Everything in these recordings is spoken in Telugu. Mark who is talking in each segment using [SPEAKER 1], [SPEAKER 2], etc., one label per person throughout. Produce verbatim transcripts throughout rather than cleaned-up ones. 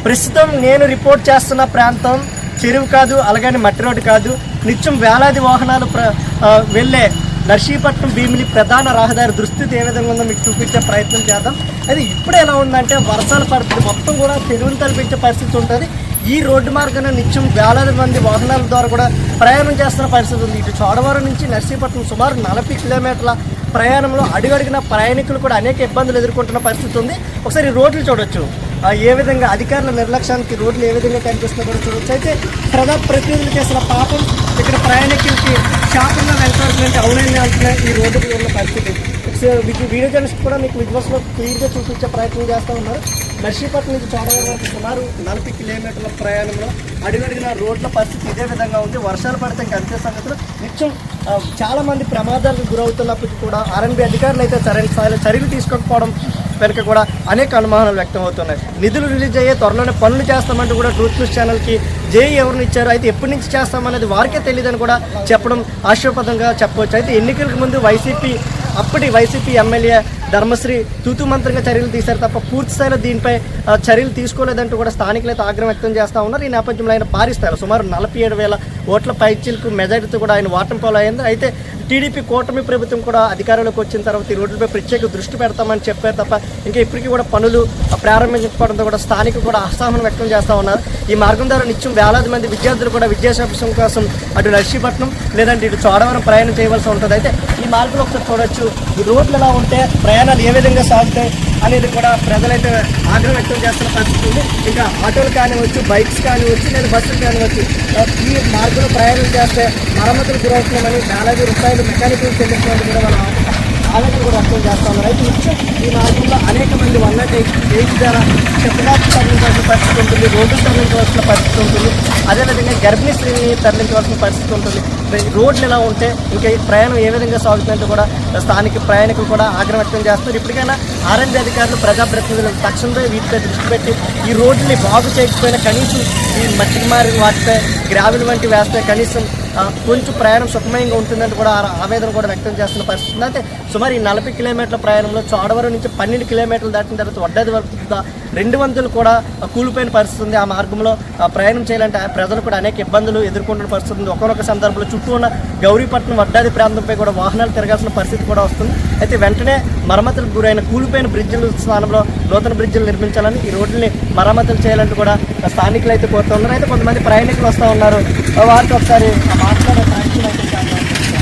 [SPEAKER 1] ప్రస్తుతం నేను రిపోర్ట్ చేస్తున్న ప్రాంతం చెరువు కాదు, అలాగని మట్టి రోడ్డు కాదు. నిత్యం వేలాది వాహనాలు ప్ర వెళ్ళే నర్సీపట్నం భీమిలి ప్రధాన రహదారి దుస్థితి ఏ విధంగా ఉందో మీకు చూపించే ప్రయత్నం చేద్దాం. అది ఇప్పుడు ఎలా ఉందంటే వర్షాల పరిస్థితి మొత్తం కూడా చెరువును తలపించే పరిస్థితి ఉంటుంది. ఈ రోడ్డు మార్గాన నిత్యం వేలాది మంది వాహనాల ద్వారా కూడా ప్రయాణం చేస్తున్న పరిస్థితి ఉంది. ఇటు చోడవరం నుంచి నర్సీపట్నం సుమారు నలభై కిలోమీటర్ల ప్రయాణంలో అడుగడిగిన ప్రయాణికులు కూడా అనేక ఇబ్బందులు ఎదుర్కొంటున్న పరిస్థితి ఉంది. ఒకసారి రోడ్లు చూడొచ్చు, ఏ విధంగా అధికారుల నిర్లక్ష్యానికి రోడ్లు ఏ విధంగా కనిపిస్తుందో కూడా చూడవచ్చు. అయితే ప్రజా ప్రతినిధులు చేసిన పాపం ఇక్కడ ప్రయాణికులకి శాపంగా వెళ్తారంటే అవునని అంటున్న ఈ రోడ్డుకి ఉన్న పరిస్థితి. మీకు వీడియో జర్నలిస్ట్ కూడా మీకు విజువల్స్లో క్లియర్గా చూపించే ప్రయత్నం చేస్తూ ఉన్నారు. నర్సీపట్నం నుంచి చోడవరం వరకు సుమారు నలభై కిలోమీటర్ల ప్రయాణంలో అడుగడిగిన రోడ్ల పరిస్థితి ఇదే విధంగా ఉంది. వర్షాలు పడితే ఇంకా అంతే సంగతులు. నిత్యం చాలామంది ప్రమాదాలకు గురవుతున్నప్పటికీ కూడా ఆర్ఎన్బి అధికారులు అయితే సరైన స్థాయిలో చర్యలు తీసుకోకపోవడం వెనుక కూడా అనేక అనుమానాలు వ్యక్తం అవుతున్నాయి. నిధులు రిలీజ్ అయ్యే త్వరలోనే పనులు చేస్తామంటూ కూడా ట్రూత్ న్యూస్ ఛానల్కి జేఈ ఎవరిని ఇచ్చారు, అయితే ఎప్పటి నుంచి చేస్తామనేది వారికే తెలియదని కూడా చెప్పడం ఆశ్చర్యపదంగా చెప్పవచ్చు. అయితే ఎన్నికలకు ముందు వైసీపీ అప్పటి వైసీపీ ఎమ్మెల్యే ధర్మశ్రీ తూతు మంత్రంగా చర్యలు తీశారు తప్ప పూర్తి స్థాయిలో దీనిపై చర్యలు తీసుకోలేదంటూ కూడా స్థానికులు అయితే ఆగ్రహం వ్యక్తం చేస్తూ ఉన్నారు. ఈ నేపథ్యంలో ఆయన భారీ స్థాయిలో సుమారు నలభై ఏడు వేల ఓట్ల పైచీలకు మెజారిటీతో కూడా ఆయన ఓటమి పాలు అయింది. అయితే టీడీపీ కూటమి ప్రభుత్వం కూడా అధికారంలోకి వచ్చిన తర్వాత ఈ రోడ్లపై ప్రత్యేక దృష్టి పెడతామని చెప్పారు తప్ప ఇంకా ఇప్పటికీ కూడా పనులు ప్రారంభించకపోవడంతో కూడా స్థానికులు కూడా అసహనం వ్యక్తం చేస్తూ ఉన్నారు. ఈ మార్గం ద్వారా నిత్యం వేలాది మంది విద్యార్థులు కూడా విద్యాభ్యాసం కోసం అటు నర్సీపట్నం లేదంటే ఇటు చోడవరం ప్రయాణం చేయవలసి ఉంటుంది. అయితే ఈ మార్గంలో ఒకసారి చూడొచ్చు, ఈ రోడ్లు ఎలా ఉంటే ప్రయాణాలు ఏ విధంగా సాగుతాయి అనేది కూడా ప్రజలైతే ఆగ్రహం వ్యక్తం చేస్తున్న పరిస్థితి ఉంది. ఇంకా ఆటోలు కానివచ్చు, బైక్స్ కానివచ్చు, లేదా బస్సులు కానివచ్చు, ఈ మార్గంలో ప్రయాణం చేస్తే మరమ్మతులు గురవుతున్నామని వేలాది రూపాయలు మెకానికల్ చెల్లించడానికి కూడా వాళ్ళ ఆలోచన కూడా వ్యక్తం చేస్తూ ఉన్నారు. అయితే నిత్యం ఈ మార్గంలో అనేక మంది వన్ నాట్ ఎయిట్ ఎయిట్ ద్వారా చెప్పడానికి తరలించవలసిన పరిస్థితి ఉంటుంది, రోడ్లు తరలించవలసిన పరిస్థితి ఉంటుంది, అదేవిధంగా గర్భిణీ స్త్రీని తరలించవలసిన పరిస్థితి ఉంటుంది. రోడ్లు ఎలా ఉంటే ఇంకా ఈ ప్రయాణం ఏ విధంగా సాగుతుందంటే కూడా స్థానిక ప్రయాణికులు కూడా ఆగ్రహం వ్యక్తం చేస్తున్నారు. ఇప్పటికైనా ఆర్ఎన్బి అధికారులు ప్రజాప్రతినిధులు తక్షణమే వీటిపై దృష్టి పెట్టి ఈ రోడ్లని బాగు చేయకపోయినా కనీసం ఈ మట్టికి మారి వాటిపై గ్రావెల్ వంటి వేస్తే కనీసం కొంచెం ప్రయాణం సుఖమయంగా ఉంటుందని కూడా ఆవేదన కూడా వ్యక్తం చేస్తున్న పరిస్థితి. అయితే సుమారు ఈ నలభై కిలోమీటర్ల ప్రయాణంలో చోడవరం నుంచి పన్నెండు కిలోమీటర్లు దాటిన తర్వాత వడ్డాది వరకు రెండు వంతులు కూడా కూలిపోయిన పరిస్థితి ఉంది. ఆ మార్గంలో ప్రయాణం చేయాలంటే ప్రజలు కూడా అనేక ఇబ్బందులు ఎదుర్కొంటున్న పరిస్థితి ఉంది. ఒకనొక సందర్భంలో చుట్టూ ఉన్న గౌరీపట్నం వడ్డాది ప్రాంతంపై కూడా వాహనాలు తిరగాల్సిన పరిస్థితి కూడా వస్తుంది. అయితే వెంటనే మరమ్మతులకు గురైన కూలిపోయిన బ్రిడ్జిల స్థానంలో నూతన బ్రిడ్జిలు నిర్మించాలని, ఈ రోడ్లని మరమ్మతులు చేయాలంటూ కూడా స్థానికులు అయితే కోరుతూ ఉన్నారు. అయితే కొంతమంది ప్రయాణికులు వస్తూ ఉన్నారు, వారితో ఒకసారి మాట్లాడే ప్రయత్నం అయితే చేద్దాం.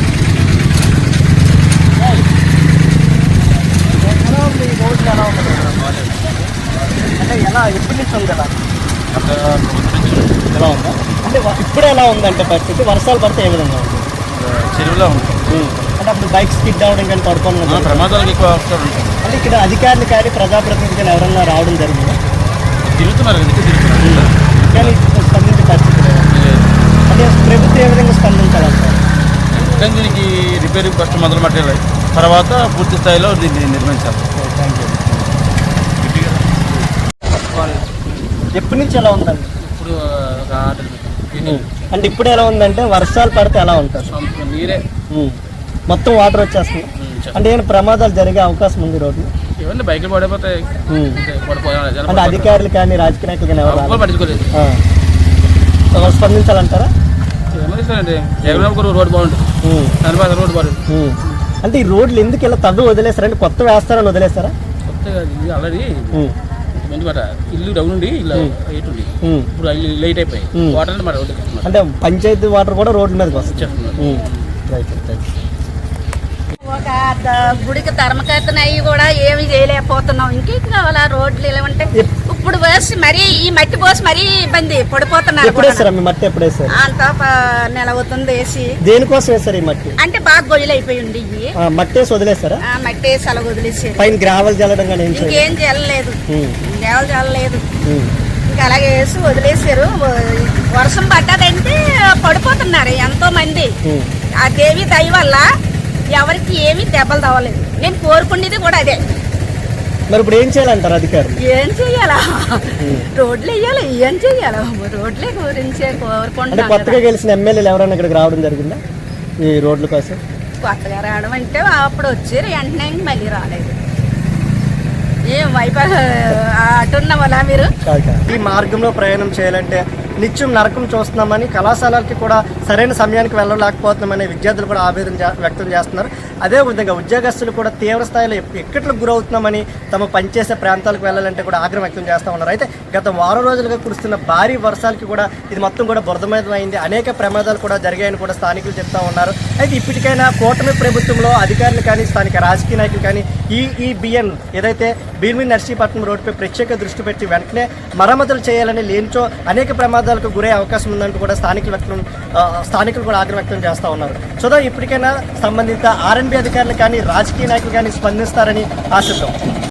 [SPEAKER 1] ఎలా ఉంది ఈ రోడ్లు, ఎలా ఉంది అంటే ఎలా ఎప్పటి నుంచి ఉంది కదా ఎలా ఉందా అంటే ఇప్పుడు ఎలా ఉందంటే పరిస్థితి వర్షాలు పడితే ఏ విధంగా ఉంది?
[SPEAKER 2] చెరువులో ఉంటుంది
[SPEAKER 1] అంటే అప్పుడు బైక్ స్కిడ్ అవ్వడం కానీ పడుకోవడం
[SPEAKER 2] ప్రమాదాలకు ఎక్కువ అవసరం ఉంటుంది.
[SPEAKER 1] అంటే ఇక్కడ అధికారులు కానీ ప్రజాప్రతినిధులు కానీ ఎవరన్నా రావడం జరిగిందా?
[SPEAKER 2] తిరుగుతున్నారు తిరుగుతున్నారు
[SPEAKER 1] కానీ స్పందించే పరిస్థితి లేదు. అంటే ప్రభుత్వం ఏ విధంగా స్పందించాలంటారు?
[SPEAKER 2] కానీ దీనికి రిపేరింగ్ ఫస్ట్ మొదలు పెట్టాలి, తర్వాత పూర్తి స్థాయిలో దీన్ని నిర్మించాలి.
[SPEAKER 1] Thank you. ఎప్పటి నుంచి ఎలా ఉందండి?
[SPEAKER 2] ఇప్పుడు
[SPEAKER 1] అంటే ఇప్పుడు ఎలా ఉందంటే వర్షాలు పడితే ఎలా ఉంటుంది?
[SPEAKER 2] నీరే
[SPEAKER 1] మొత్తం వాటర్ వచ్చేస్తుంది. అంటే ఏమైనా ప్రమాదాలు జరిగే అవకాశం ఉంది రోడ్డు?
[SPEAKER 2] ఇవన్నీ బైకులు పడిపోతాయి.
[SPEAKER 1] అంటే అధికారులు కానీ రాజకీయ నాయకులు కానీ ఎవరు
[SPEAKER 2] పట్టించుకోలేదు.
[SPEAKER 1] స్పందించాలంటారా?
[SPEAKER 2] రోడ్ బాగుంటుంది, రోడ్ బాగుంటుంది.
[SPEAKER 1] అంటే ఈ రోడ్లు ఎందుకు ఇలా తవ్వి వదిలేస్తారంటే కొత్త వేస్తారని వదిలేస్తారా?
[SPEAKER 2] కొత్తగా ఆల్రెడీ ఇల్లు డౌన్ ఉండి ఇలా ఎయిట్ ఉంది, ఇప్పుడు లైట్ అయిపోయి వాటర్
[SPEAKER 1] అంటే పంచాయతీ వాటర్ కూడా రోడ్ల మీదకి వస్తుంది.
[SPEAKER 3] ఒక గుడికి ధర్మకర్తన అయ్యి కూడా ఏమి చేయలేకపోతున్నాం. ఇంకేం కావాలా? రోడ్లు ఇలా ఉంటే ఇప్పుడు పోసి మరీ ఈ మట్టి పోసి మరీ ఇబ్బంది పడిపోతున్నారు. అంత నెల అవుతుంది వేసి.
[SPEAKER 1] దేనికోసం వేస్తారు ఈ మట్టి?
[SPEAKER 3] అంటే బాగా గొయ్యలు అయిపోయి ఉండి
[SPEAKER 1] మట్టి వేసి వదిలేస్తారా?
[SPEAKER 3] మట్టి వేసి అలా వదిలేసి
[SPEAKER 1] పైన గ్రావెల్ చల్లడం కానీ
[SPEAKER 3] ఇంకేం చల్లలేదు, గ్రావెల్ చల్లలేదు, ఇంకా అలాగే వేసి వదిలేసారు. వర్షం పడ్డదంటే పడిపోతున్నారు ఎంతో మంది. ఆ దేవి దయ వల్ల ఎవరికి ఏమీ దెబ్బలు తవ్వలేదు. నేను కోరుకునేది కూడా అదే.
[SPEAKER 1] మరి ఇప్పుడు ఏం చేయాలంటారు అధికారులు?
[SPEAKER 3] ఏం చెయ్యాలా? రోడ్లు వేయాలి, ఏం చెయ్యాలా? రోడ్లే గురించే కోరుకుంటున్నాను.
[SPEAKER 1] కొత్తగా గెలిచిన ఎమ్మెల్యేలు ఎవరైనా ఇక్కడికి రావడం జరిగిందా ఈ రోడ్ల కోసం?
[SPEAKER 3] కొత్తగా రావడం అంటే అప్పుడు వచ్చారు, వెంటనే మళ్ళీ రాలేదు. ఏం వైపు అటున్న వాళ్ళ మీరు
[SPEAKER 1] ఈ మార్గంలో ప్రయాణం చేయాలంటే నిత్యం నరకం చూస్తున్నామని, కళాశాలకి కూడా సరైన సమయానికి వెళ్ళలేకపోతున్నామని విద్యార్థులు కూడా ఆవేదన చే- వ్యక్తం చేస్తున్నారు. అదేవిధంగా ఉద్యోగస్తులు కూడా తీవ్ర స్థాయిలో ఇక్కట్లకు గురవుతున్నామని, తమ పనిచేసే ప్రాంతాలకు వెళ్ళాలంటే కూడా ఆగ్రహం వ్యక్తం చేస్తూ ఉన్నారు. అయితే గత వారం రోజులుగా కురుస్తున్న భారీ వర్షాలకి కూడా ఇది మొత్తం కూడా బురదమయమైంది. అనేక ప్రమాదాలు కూడా జరిగాయని కూడా స్థానికులు చెప్తా ఉన్నారు. అయితే ఇప్పటికైనా కూటమి ప్రభుత్వంలో అధికారులు కానీ, స్థానిక రాజకీయ నాయకులు కానీ ఈ ఈ బిఎన్ ఏదైతే భీమిలి నర్సీపట్నం రోడ్డుపై ప్రత్యేక దృష్టి పెట్టి వెంటనే మరమ్మతులు చేయాలని, లేనిచో అనేక ప్రమాదాలకు గురే అవకాశం ఉందంటూ కూడా స్థానికులు వ్యక్తం ఆ, స్థానికులు కూడా ఆగ్రహం వ్యక్తం చేస్తూ ఉన్నారు. సో ఇప్పటికైనా సంబంధిత ఆర్ఎన్బి అధికారులు కానీ, రాజకీయ నాయకులు కానీ స్పందిస్తారని ఆశిద్దాం.